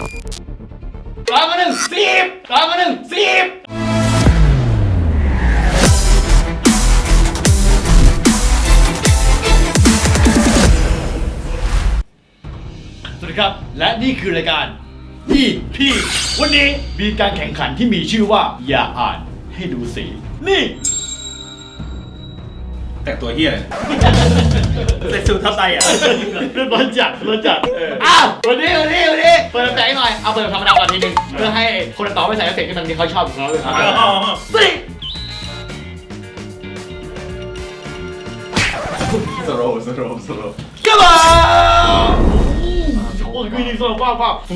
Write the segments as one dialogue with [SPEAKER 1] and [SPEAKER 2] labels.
[SPEAKER 1] 10 สวัสดีครับและนี่คือรายการพี่วันนี้มีการแข่งขันที่มีชื่อว่าอย่าอ่านให้ดูสีนี่
[SPEAKER 2] แต่ตัวเฮียใส่สูททับไตอ่ะ
[SPEAKER 1] ร้อนจัดอ้าววันนี้เปิดแสงหน่อยเอาเปิดธรรมดาก่อนทีนึงเพื่อให้คนต่อไม่ใส่เอฟเฟกต์ที่มันที่เขาชอบของเขาเลยสิ
[SPEAKER 2] สโลว์
[SPEAKER 1] กระบาโอ้ยวิ่งโซ่ป้า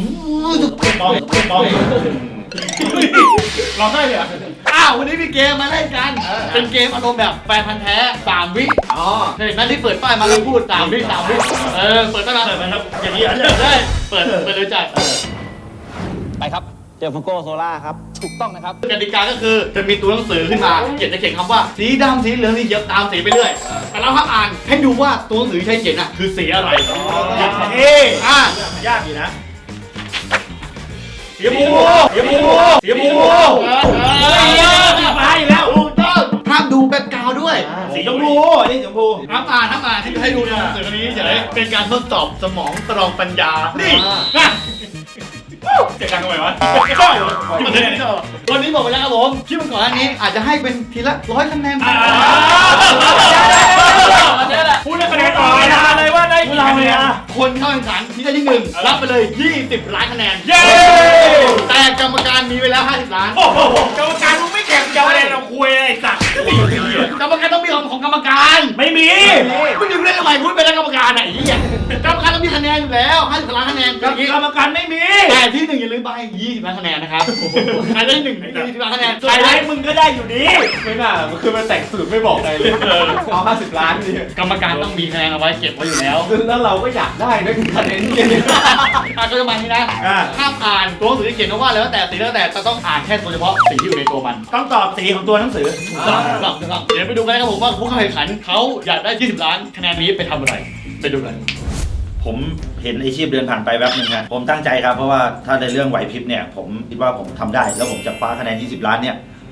[SPEAKER 2] ร้องได้เลยอ่ะ
[SPEAKER 1] อ้าววันนี้มีเกมมาเล่นกันเป็นเกมอารมณ์แบบแฟนพันธ์แท้3 วิเห็นไหมที่เปิดป้ายมาแล้วพูด3 วิเปิดป้ายมา
[SPEAKER 2] ครับอย่างนี้
[SPEAKER 1] ได้เปิดเลยจ่าย
[SPEAKER 3] ไปครับเจอฟังโก้โซล่าครับถูกต้องนะครับ
[SPEAKER 1] กติกาก็คือจะมีตัวหนังสือขึ้นมาเขียนคำว่าสีดำสีเหลืองสีเขียวตามสีไปเรื่อยแต่เราห้ามอ่านให้ดูว่าตัวหนังสือใช้เขียนคือสีอะไร
[SPEAKER 2] ยากอยู่นะ
[SPEAKER 1] เสียบู
[SPEAKER 2] ไปแล้ว
[SPEAKER 1] ห้ามดูแบ็คกราวด์ด้วย
[SPEAKER 2] สีชมพูนี่ชมพู
[SPEAKER 1] ห้ามอ่านให้ดูในหนังสือนี้เฉยเป็นการทดสอบสมองตรองปัญญานี่
[SPEAKER 2] เจ็ดกันทำไมวะ
[SPEAKER 1] วันนี้บอกไปแล้วครับผมคลิปก่อนอันนี้อาจจะให้เป็นทีละ100 คะแนน
[SPEAKER 2] พูดได้คะแนนต่อเลยว่าได้กี่คะแนน
[SPEAKER 1] คนเข้าแข่งขันที่ได้ที่1รับไปเลย20 ล้านคะแนนแต่กรรมการมีไปแล้ว50 ล้าน
[SPEAKER 2] กรรมการมึงไม่แข่งจะอะไรเราคุยไอ้สัตว์
[SPEAKER 1] กรรมการต้องมีของกรรมการ
[SPEAKER 2] ไม่มี
[SPEAKER 1] มึงอยู่เล่นทำไมพูดไปแล้วกรรมการไหนกรรมการต้องมีคะแนนอยู่แล้ว50 ล้านคะแนน
[SPEAKER 2] กรรมการไม่มี
[SPEAKER 1] แต่ที่1อย่าลืมไป20 ล้านคะแนนนะครับใครได้1 20 ล้านคะแนน
[SPEAKER 2] ใครได้มึงก็ได้อยู่ดี
[SPEAKER 3] ไม่น่ามันคือมันแต่งสูตรไม่บอกใครเลยเอา50 ล้านดิ
[SPEAKER 1] กรรมการต้องมีคะแนนเอาไว้เก็บไว้อยู่แล้ว
[SPEAKER 3] แล้วเราก็อยากได้ด้วยคะแนนนี้
[SPEAKER 1] ก็จะมาที่นะห้ามอ่านตัวหนังสือที่เขียนว่าแล้วแต่สีแล้วแต่ต้องอ่านแค่ตัวเฉพาะสีที่อยู่ในตัวมัน
[SPEAKER 2] ต้องตอบสีของตัวหนังสือ
[SPEAKER 1] เดี๋ยวไปดูกันนะครับผมว่าผู้เข้าแข่งขันเขาอยากได้20 ล้านคะแนนนี้ไปทำอะไรไปดูกัน
[SPEAKER 2] ผมเห็นอาชีพเดินผ่านไปแวบนึงนะผมตั้งใจครับเพราะว่าถ้าในเรื่องไหวพริบเนี่ยผมคิดว่าผมทำได้แล้วผมจะคว้าคะแนน20 ล้านเนี่ย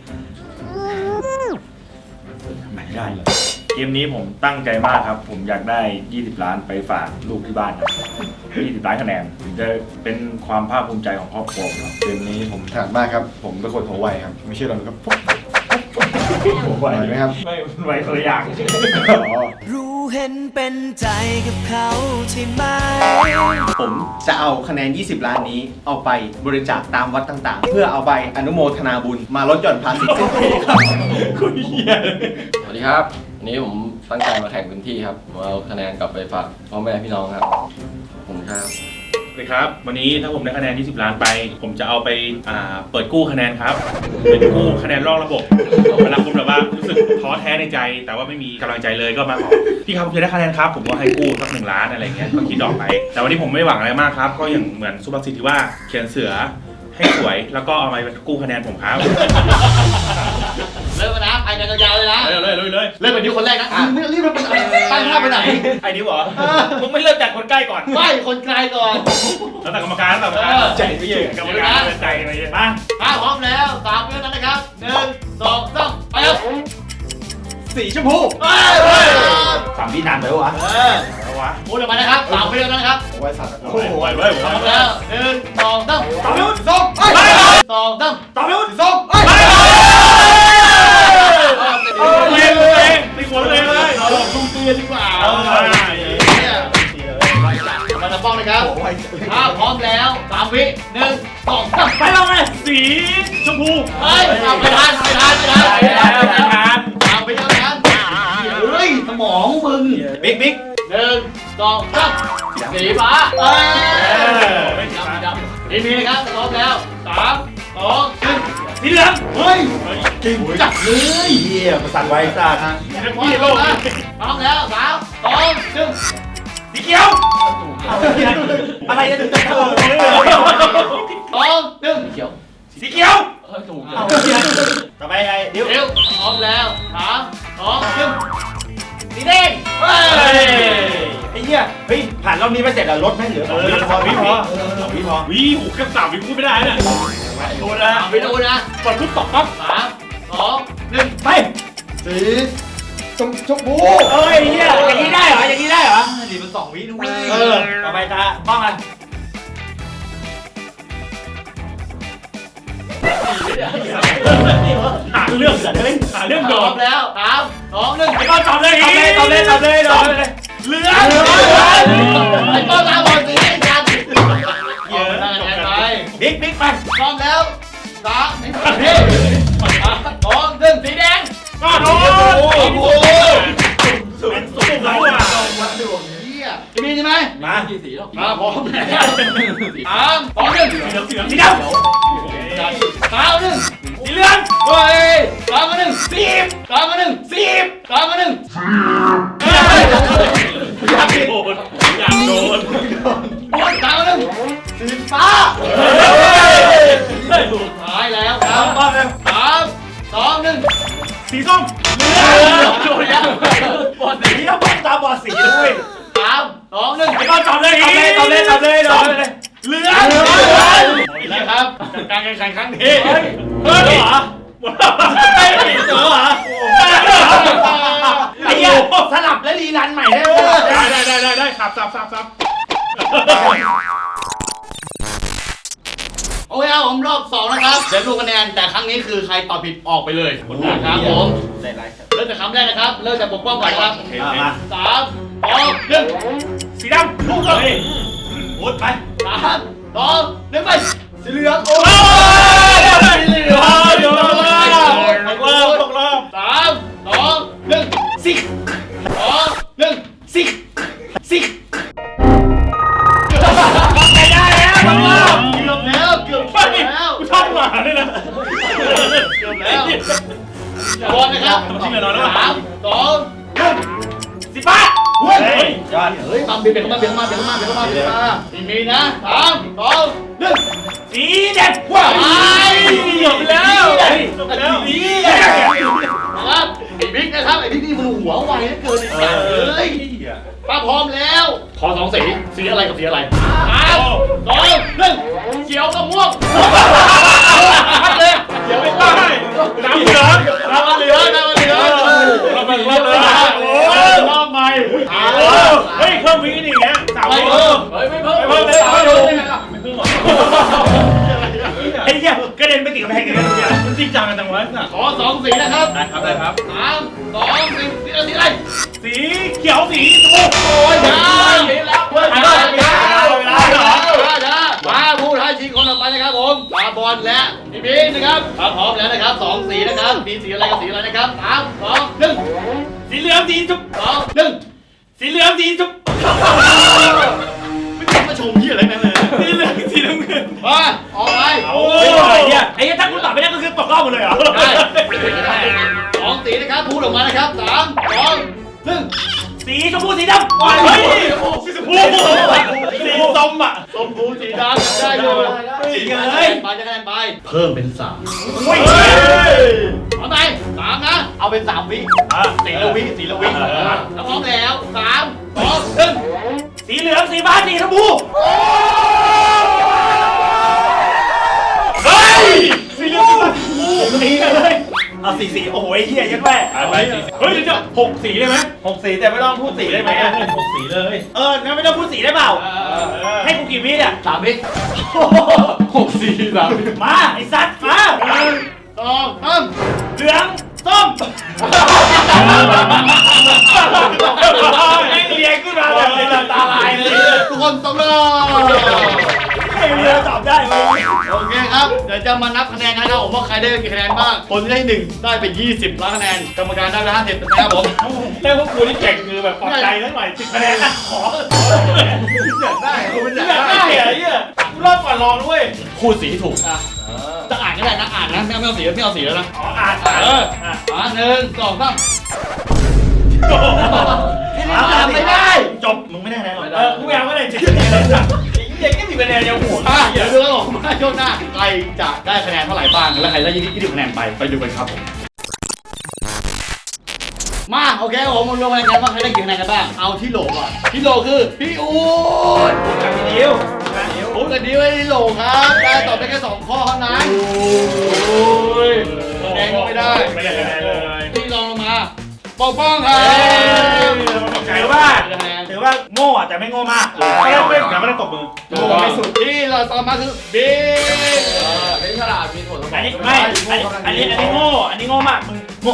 [SPEAKER 2] ไม่ได้เลยเกมนี้ผมตั้งใจมากครับผมอยากได้20 ล้านไปฝากลูกที่บ้านครับ20 ล้านคะแนนจะเป็นความภาคภูมิใจของครอบครัวครับ
[SPEAKER 4] เกมนี้ผมถนัดมากครับผมเป็นคนหัวไวครับไม่เชื่อเราครับ
[SPEAKER 2] หัวไว
[SPEAKER 4] ไหมครับ
[SPEAKER 2] ไม่ไวคนละอย่าง
[SPEAKER 5] รู้เห็นเป็นใจกับเขาใช่ไหม
[SPEAKER 3] ผมจะเอาคะแนน20 ล้านนี้เอาไปบริจาคตามวัดต่างๆเพื่อเอาไปอนุโมทนาบุญมาลดหย่อนภาษีสิ้นปีครับ
[SPEAKER 2] คุณเหี้ย
[SPEAKER 6] สวัสดีครับวันนี้ผมตั้งใจมาแข่งพื้นที่ครับผมเอาคะแนนกลับไปฝากพ่อแม่พี่น้องครับผมครับ
[SPEAKER 2] สวัสดีครับวันนี้ถ้าผมได้คะแนน20 ล้านไปผมจะเอาไปเปิดกู้คะแนนครับเป็นกู้คะแนนรอบระบบเวลาคุณแบบว่ารู้สึกท้อแท้ในใจแต่ว่าไม่มีกำลังใจเลยก็มาขอพี่ครับผมจะได้คะแนนครับผมก็ให้กู้สัก1 ล้านอะไรเงี้ยก็คิดดอกไปแต่วันนี้ผมไม่หวังอะไรมากครับก็อย่างเหมือนสุภาษิตที่ว่าเขียนเสือให้สวยแล้วก็เอาไปกู้คะแนนผมครับ
[SPEAKER 1] เริ่มนะไปกันยาวเลยนะ
[SPEAKER 2] เลยเ
[SPEAKER 1] ริ่มเป็นที่คนแรกนะไม่รีบไปไหนตั้งท่าไปไหน
[SPEAKER 2] ไอ้นี่เหรอมึงไม่เริ่มจากคนใกล้ก่อน
[SPEAKER 1] ไม่คนไกลก่อน
[SPEAKER 2] แล้วแต่กรรมการ
[SPEAKER 1] ใจไม่เยอะ
[SPEAKER 2] กรรมการใจไม่เยอะมา
[SPEAKER 1] ถ้าพร้อมแล้ว3 วินาทีนะครับ1 2 3ไปครับ
[SPEAKER 3] สีชมพู
[SPEAKER 2] 3 วินานไปวะ
[SPEAKER 1] พูดออกมานะครับ3 วินาทีนะครับ
[SPEAKER 4] ไว้สัตว์
[SPEAKER 2] โอ้โหไว้
[SPEAKER 1] แล้ว1 2 3ต่อไป2 2 3
[SPEAKER 2] ต่อไป
[SPEAKER 1] 2
[SPEAKER 2] ตีหัวเลย
[SPEAKER 1] ลุงเตือนดีกว่ามาจะป้องนะครับถ้าพร้อมแล้ว3 วิ1 2 3
[SPEAKER 2] ไปเราไงสีชมพู
[SPEAKER 1] ไปทานไปทานเฮ้ยสมองมึง
[SPEAKER 2] บิ๊ก
[SPEAKER 1] 1 2 3สีฟ้าไม่มีนะครับพร้อมแล้ว3 2 1
[SPEAKER 2] สีเหลือง
[SPEAKER 1] เฮ้ยเก่งจัดเลย
[SPEAKER 2] เฮียประสานไว้สัตว์
[SPEAKER 1] พี่โลกพร้อมแล้ว3 2 1
[SPEAKER 2] สีเขียวอะไรจะถูก2
[SPEAKER 1] 1เขียว
[SPEAKER 2] สีเขียว
[SPEAKER 1] ถูก
[SPEAKER 2] ต่อไปไอ้เดี๋ยว
[SPEAKER 1] พร้อมแล้ว3 2 1สีแดง
[SPEAKER 2] ไอ้
[SPEAKER 3] เหี้ยเฮ้ยผ่านรอบนี้ไปเสร็จแล้วลดไหมเหลือ2 วิพอ 2 วิพอ
[SPEAKER 2] วิหูแค่3 วิพูดไม่ได้เนี่ยดูนะ
[SPEAKER 1] ไปดูนะ
[SPEAKER 2] กดปุ๊บตกปั๊บ
[SPEAKER 1] 3 2 1
[SPEAKER 3] ไป
[SPEAKER 4] สีชมพู
[SPEAKER 3] เอ้ยเหี้ยอย่างนี้ได้เหรออย่างนี้ได้เหรอ
[SPEAKER 1] นี่มัน2 วิด้วย
[SPEAKER 3] ต่อไปตาป้องกัน
[SPEAKER 2] หาเรื่องหาเรื่องโด
[SPEAKER 1] พร้อม
[SPEAKER 2] น
[SPEAKER 1] แล้ว3 2 1
[SPEAKER 2] ไอ้ก้อนตอบเลย
[SPEAKER 3] ตอบเลย
[SPEAKER 2] เหลือ
[SPEAKER 1] ไอ้ต้นตาบอลสีไอ้จันเอาไปนั่งกันไป
[SPEAKER 3] บิ๊กไป
[SPEAKER 1] พร้อมแล้ว3 2 1สีแดง
[SPEAKER 2] ก้อนโอ้
[SPEAKER 1] โอ้
[SPEAKER 2] โห
[SPEAKER 1] โห
[SPEAKER 2] เป็นสุกแล้วอ่ะ
[SPEAKER 1] เฮียจะมีใช่ไหม
[SPEAKER 3] มา
[SPEAKER 6] กี่สีหรอก
[SPEAKER 1] มาพร้อมแล้ว3 2 1
[SPEAKER 2] สีดำ
[SPEAKER 1] 3 1
[SPEAKER 2] สีเหลือง
[SPEAKER 1] เฮ้ย3 1 10 3 1 10 3 1
[SPEAKER 2] อยากโดนอยากโดน
[SPEAKER 1] 3 1สีฟ้าสุดท้ายแล้วครับ3 2 1
[SPEAKER 2] สีส้ม
[SPEAKER 1] โดนแล้ว
[SPEAKER 3] บอดสีถ้าบ้องตาบอดสีด้วย
[SPEAKER 1] 3 2 1
[SPEAKER 2] ไอ้ก้อนตอบเลย
[SPEAKER 3] ตอบเลย
[SPEAKER 2] เหลือง
[SPEAKER 1] นะครับการแข่งขันครั้งนี้
[SPEAKER 2] เฮ้ยเหรอหมดแล้วไอ้เหรอ
[SPEAKER 3] ไอ้เหี้ยสลับและรีรันใหม่ได้ไหม
[SPEAKER 2] ได้สับ
[SPEAKER 1] โอเคครับผมรอบ2นะครับเดี๋ยวดูคะแนนแต่ครั้งนี้คือใครตอบผิดออกไปเลยนะครับผมเริ่มจากคำแรกนะครับเริ่มจากปกป้องก่อนครับ3 2 1
[SPEAKER 2] สีดำลูกเลย
[SPEAKER 3] พูดไป
[SPEAKER 1] 3 2 1ไปสีเหลือง
[SPEAKER 2] โอ้ยสีเหลืองเดี๋ยวตกรอบ
[SPEAKER 1] 3 2 1สิ2 1สิไม่ได้แล้วเกือบแล้ว
[SPEAKER 2] กูชอบหมาด้วยนะ
[SPEAKER 1] เกือบแล้วบอลนะครับ
[SPEAKER 2] จริงเหรอน้อง
[SPEAKER 1] 3 2
[SPEAKER 2] สีฟ้าเฮ้ย
[SPEAKER 3] ยอด
[SPEAKER 1] 1เฮ้ยตามเบียดเข้ามาอีมีนะ3 2 1
[SPEAKER 2] สีแดง
[SPEAKER 1] ว้าว
[SPEAKER 2] จบแล้ว
[SPEAKER 1] นะครับไอ้บิ๊กนะครับไอ้บิ๊กนี่มันหัวไวเหลือเกินไอ้สัตว์เลยป้าพร้อมแล้วขอ2 สีอะไรกับสีอะไร3 2 1เขียวกับม่วงเลยเขียวไม่ได้
[SPEAKER 2] น้ำเหลือง
[SPEAKER 1] น้ำมันเหลืองรอบใหม่
[SPEAKER 2] เฮ้ยเพิ่มวินี่เงี้ยสาว
[SPEAKER 1] ไม่
[SPEAKER 2] เพิ่ม
[SPEAKER 1] ไม่เพิ่ม
[SPEAKER 2] ไม่เพิ่ม
[SPEAKER 3] ไอ้เหี้ยกระเด็นไปติดกำแพงกันเลยเนี่ย
[SPEAKER 2] มันจริงจังกันจังวะ
[SPEAKER 1] ขอ2 สีนะครับ
[SPEAKER 2] ได้ครับ
[SPEAKER 1] 3 2 1สีอะไร
[SPEAKER 2] สีเขียวสีชมพู
[SPEAKER 1] โอ้ยช้าแล้วมาผู้ท้าชิงคนต่อไปนะครับผมปาบอลและพี่บิ๊กนะครับพร้อมแล้วนะครับ2 สีนะครับมีสีอะไรกับสีอะไรนะครับ3 2 1
[SPEAKER 2] สีเหลืองสีชม
[SPEAKER 1] 2 1
[SPEAKER 2] สีเหลืองสีชม
[SPEAKER 1] ไม่ต้องมาชมยี่อะไรนั่นเลย
[SPEAKER 2] สีเหลืองสีน้ำเงิน
[SPEAKER 1] มาออกไป
[SPEAKER 2] โอ้
[SPEAKER 3] ไอ้
[SPEAKER 2] ย
[SPEAKER 3] เหี้ยไอ้เหี้ยถ้ากูตอบไม่ได้ก็คือตกรอบหมดเลยเหรอ
[SPEAKER 1] ได้2 สีนะครับพูดออกมานะครับ3 2 1
[SPEAKER 3] สีชมพูสีดำ
[SPEAKER 2] เฮ้ยสีชมพูสีส้มอ่ะ
[SPEAKER 1] ชมพูสีดำได้อยู่ไปจะคะแนนไปเพิ่มเป็น3เอาไป3นะเอาเป็น3 วิสีละวิแล้วพร้อมแล้ว3 2 1
[SPEAKER 3] สีเหลืองสีฟ้าสีชมพู
[SPEAKER 2] เฮ้ยสีเหลือง
[SPEAKER 3] สีเลยเอาสีโอ้โหไอ้เหี้ยยัดแม่
[SPEAKER 2] เฮ้ยจะ6 สีได้ไหม
[SPEAKER 3] 6 สีแต่ไม่ต้องพูดสีได้ไหม
[SPEAKER 2] 6 สีเลย
[SPEAKER 3] งั้นไม่ต้องพูดสีได้เปล่าให้กูกี่วิเนี่ย
[SPEAKER 1] 3 วิ6 สี3
[SPEAKER 3] มาไอ้สัตว์มา
[SPEAKER 1] 2
[SPEAKER 3] เหลืองส้มแม่งเรียงขึ้นมาแบบในตาลายเลย
[SPEAKER 1] 3ทุกคนตกรอบ
[SPEAKER 3] ไม่เรียงตอบได้ไหม
[SPEAKER 1] โอเคครับเดี๋ยวจะมานับคะแนนกันนะครับผมว่าใครได้กี่คะแนนบ้างคนที่ได้1ได้ไป20ล้านคะแนนกรรมการได้ไป50นะครับผม
[SPEAKER 2] แล้วพวกกูนี่เก่งคือแบบปลอบใจทั้งหน่อย10 คะแนนขอ
[SPEAKER 1] อยากได้คุณอยาก
[SPEAKER 2] ได้
[SPEAKER 1] ได้
[SPEAKER 2] เหรอเนี่ยกูรอบก่อนลองด้วย
[SPEAKER 1] คูณสีให้ถูกจะอ่านก็ได้นะอ่านนะไม่เอาสีไม่เอาสีแล้วนะ
[SPEAKER 2] อ่าน
[SPEAKER 1] 1 2 3
[SPEAKER 3] ไม่ได้
[SPEAKER 2] จบมึงไม่ได้แล้วกูอยากว่าอะไร10 คะแนนเด็กก็10 คะแนนยังหัว
[SPEAKER 1] เดี๋ยวดูแล้วผมว่าช่วงหน้าใครจะได้คะแนนเท่าไหร่บ้างและใครได้20คะแนนไปดูกันครับผมมาโอเคผมมาลงคะแนนกันว่าใครได้กี่คะแนนกันบ้างเอาที่โหลก่อนที่โหลคือพี่อู๊ด
[SPEAKER 2] กับพี่ดิว
[SPEAKER 1] อู๊ดกับดิวให้ที่โหลครับได้ตอบได้แค่2ข้อเท่านั้นโอ้ยคะแนนก็ไม่ได้
[SPEAKER 2] ไม่ได้คะแนนเลย
[SPEAKER 1] ที่รองลงมาปกป้องครับ
[SPEAKER 2] ถือว่าโง่แต่ไม่โง่มากไม่ได้ตบมือ
[SPEAKER 1] โอ้ยสุดที่เราต่อมาคือบิ๊ก
[SPEAKER 6] ไม่ฉลาดมีผลสมอง
[SPEAKER 2] อันนี้ไม่อันนี้โง่อันนี้โง่มากมึงโง่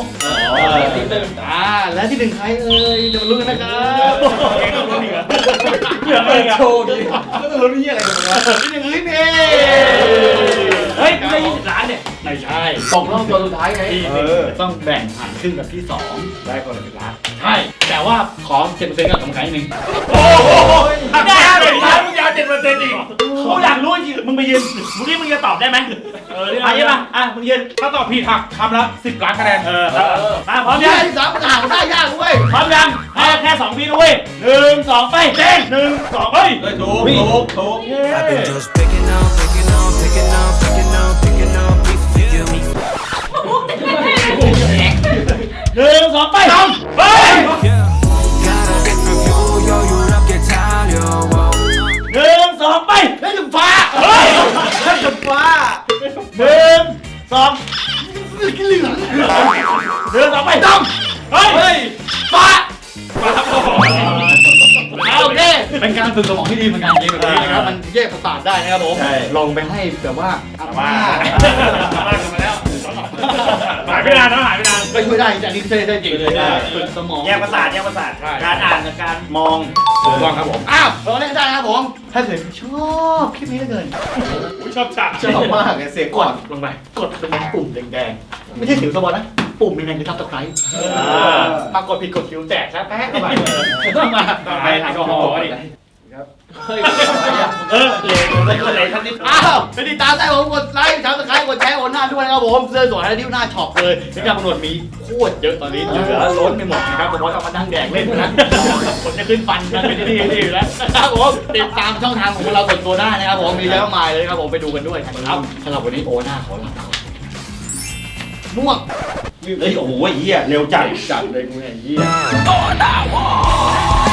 [SPEAKER 1] และที่หนึ่งใครเอ่ยจะมาลุ้นกันนะครับ
[SPEAKER 2] เองต้องรู้ดีกว่าเหลือเองอะ
[SPEAKER 3] โชว์ดีก็จะรู้นี่อะไรกันวะ
[SPEAKER 1] ที่หนึ่งคือพี่เมย์
[SPEAKER 2] เฮ้ยได้20 ล้านเนี่ย
[SPEAKER 1] ไม่ใช่
[SPEAKER 6] ตกรอบตัวสุดท้ายไง
[SPEAKER 1] ที่หนึ่งต้องแบ่งหันครึ่งกับที่2ได้คนละ1 ล้านใช่แต่ว่าขอ7%กับกรรมการนิดนึง
[SPEAKER 2] โอ้โหได้5%ล้านมึงยาว7%อีกกูอยากรู้จริงมึงไปยืนมึงนี่มึงจะตอบได้ไหมใช่ป่ะมึงยืนถ้าตอบผิดหักคำละ10 ล้านคะแนนมาพร้อม
[SPEAKER 1] ที่
[SPEAKER 2] ยัง
[SPEAKER 1] ที่3มันหาได้ยากด้วย
[SPEAKER 2] พร้อมยังแค่2 วินะเว้ย1 2ไปเต้น1 2เฮ้ย
[SPEAKER 3] ถูก
[SPEAKER 5] I've been just picking up, picking up, picking up, picking up, picking up beef for you.
[SPEAKER 2] 1 2ไปทำเฮ้ย
[SPEAKER 5] Got a different view, yo, you don't get tired, yo.
[SPEAKER 2] 1 2ไป
[SPEAKER 1] ได้ถึงฟ้า
[SPEAKER 2] เฮ้ย
[SPEAKER 3] ท่านจะฟ้า
[SPEAKER 2] 1 2
[SPEAKER 1] กินเหลือง
[SPEAKER 2] 1 2ไปทำเฮ้ย
[SPEAKER 1] ฟ้าโอเคเป็นการฝึกสมองที่ดีเหมือนกันเกมแบบนี้นะครับมันแยกประสาทได้นะครับผมลองไปให้แบบว่าอาม่า
[SPEAKER 2] หายไปนานนะหายไปนาน
[SPEAKER 1] ก็ช่วยได้แต่อันนี้ได้จริงเลยฝึกสมอง
[SPEAKER 2] แยกประสาทการอ่านกับการมอง
[SPEAKER 1] ถูกต้องครับผมอ้าวเราเล่นได้นะครับผมถ้าเกิดชอบคลิปนี้เหลือเกิน
[SPEAKER 2] ชอบฉาก
[SPEAKER 3] ชอบมากเลยเสียง
[SPEAKER 1] ก
[SPEAKER 3] ก่อ
[SPEAKER 1] ด
[SPEAKER 3] น
[SPEAKER 1] ลงไปกดตรงนี้ปุ่มแดงๆไม่ใช่สิวสมองนะปุ่มแดงๆคือทับตะไคร้มากดผิดกดคิวแตกซะแป๊ะเข้าไปต้องมา
[SPEAKER 2] ไปแอลกอฮอล์ดิ
[SPEAKER 1] เลยท่านนี้อ้าวไปติดตามได้ผมกดไลค์ซับสไครต์กดแชร์โอนหน้าด้วยนะครับผมเสื้อสวยและดิ้วหน้าช็อปเลยที่การกำหนดมีโคตรเยอะตอนนี้เหลือล้นไปหมดนะครับผมว่าต้องมานั่งแดกเล่นนะผมจะขึ้นฟันกันไปที่นี่อยู่แล้วนะครับผมติดตามช่องทางของเราส่วนตัวได้นะครับผมมีเยอะมากเลยครับผมไปดูกันด้วยครับสำหรับวันนี้โอหน้าขอลาไปก่อนม่วง
[SPEAKER 2] เฮ้ยโอ้โหเหี้ยเร็วจัด
[SPEAKER 1] จัดเลยกูเนี่ยเหี้ย